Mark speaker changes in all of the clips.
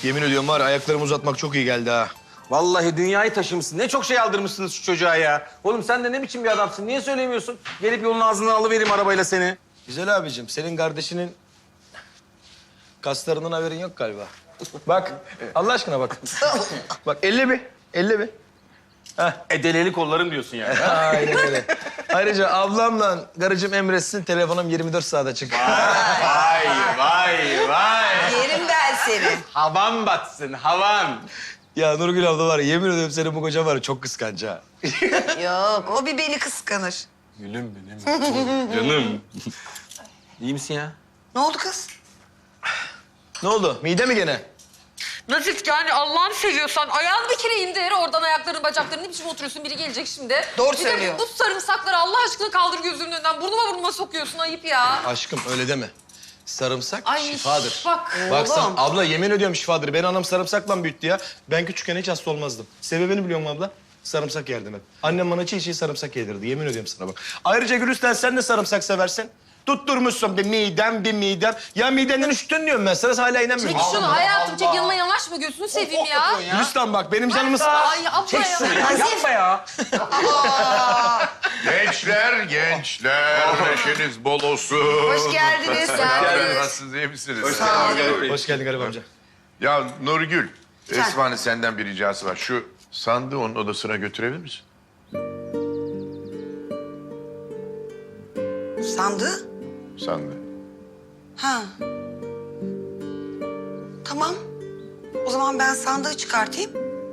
Speaker 1: Yemin ediyorum var ayaklarımı uzatmak çok iyi geldi ha.
Speaker 2: Vallahi dünyayı taşımışsın. Ne çok şey aldırmışsınız şu çocuğa ya. Oğlum sen de ne biçim bir adamsın? Niye söylemiyorsun? Gelip yolun ağzından alıvereyim arabayla seni.
Speaker 1: Güzel abicim, senin kardeşinin kaslarından haberin yok galiba. Bak, Allah aşkına bak. Bak, elle bir, elle bir.
Speaker 2: Deleli kollarım diyorsun yani.
Speaker 1: Aynen öyle. Ayrıca ablamla karıcığım emretsin, telefonum 24 saat açık.
Speaker 2: Vay, vay, vay.
Speaker 3: Yerim ben seni.
Speaker 2: Havan batsın, havan.
Speaker 1: Ya Nurgül abla var ya, yemin ediyorum senin bu kocan var ya, çok kıskanç ha.
Speaker 3: Yok, o bir beni kıskanır.
Speaker 2: Gülüm benim. Canım. İyi misin ya?
Speaker 3: Ne oldu kız?
Speaker 1: Ne oldu, mide mi gene?
Speaker 4: Nazif yani Allah'ını seviyorsan ayağını bir kere indir. Oradan ayakların bacakların ne biçim oturuyorsun? Biri gelecek şimdi.
Speaker 3: Doğru
Speaker 4: Bir
Speaker 3: söylüyor.
Speaker 4: de bu sarımsakları Allah aşkına kaldır gözümün önünden. Burnuma sokuyorsun, ayıp ya.
Speaker 1: Aşkım öyle deme. Sarımsak
Speaker 4: Ay,
Speaker 1: şifadır.
Speaker 4: bak.
Speaker 1: Bak sen,
Speaker 3: Oğlum.
Speaker 1: abla yemin ediyorum şifadır. Ben anam sarımsakla büyüttü ya. Ben küçükken hiç hasta olmazdım. Sebebini biliyor musun abla? Sarımsak yerdim hep. Annem bana çiğ sarımsak yedirdi. Yemin ediyorum sana bak. Ayrıca Gülistan sen de sarımsak seversin. Tutturmuşsun bir midem. Ya midenden üşüttün diyorum ben. Sana hala inanmıyorum.
Speaker 4: Çek şunu hayatım, çek yanına yanaşma, gözünü seveyim ya.
Speaker 1: Gülistan bak benim canımı...
Speaker 4: Ay abla
Speaker 2: Çek
Speaker 4: ya.
Speaker 2: şunu ya, yapma ya.
Speaker 5: Gençler, neşeniz bol olsun.
Speaker 3: Hoş geldiniz.
Speaker 5: Nasılsınız, iyi misiniz?
Speaker 1: Hoş geldin Garip amca.
Speaker 5: Ya Nurgül, Esma'nın senden bir ricası var. Şu sandığı onun odasına götürebilir misin?
Speaker 3: Sandığı?
Speaker 5: Sandığı.
Speaker 3: Ha. Tamam. O zaman ben sandığı çıkartayım.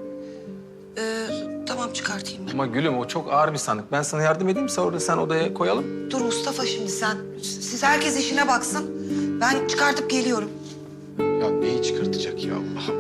Speaker 3: Tamam çıkartayım ben.
Speaker 2: Ama gülüm o çok ağır bir sandık. Ben sana yardım edeyim orada sen odaya koyalım.
Speaker 3: Dur Mustafa şimdi sen. Siz herkes işine baksın. Ben çıkartıp geliyorum.
Speaker 1: Ya neyi çıkartacak ya?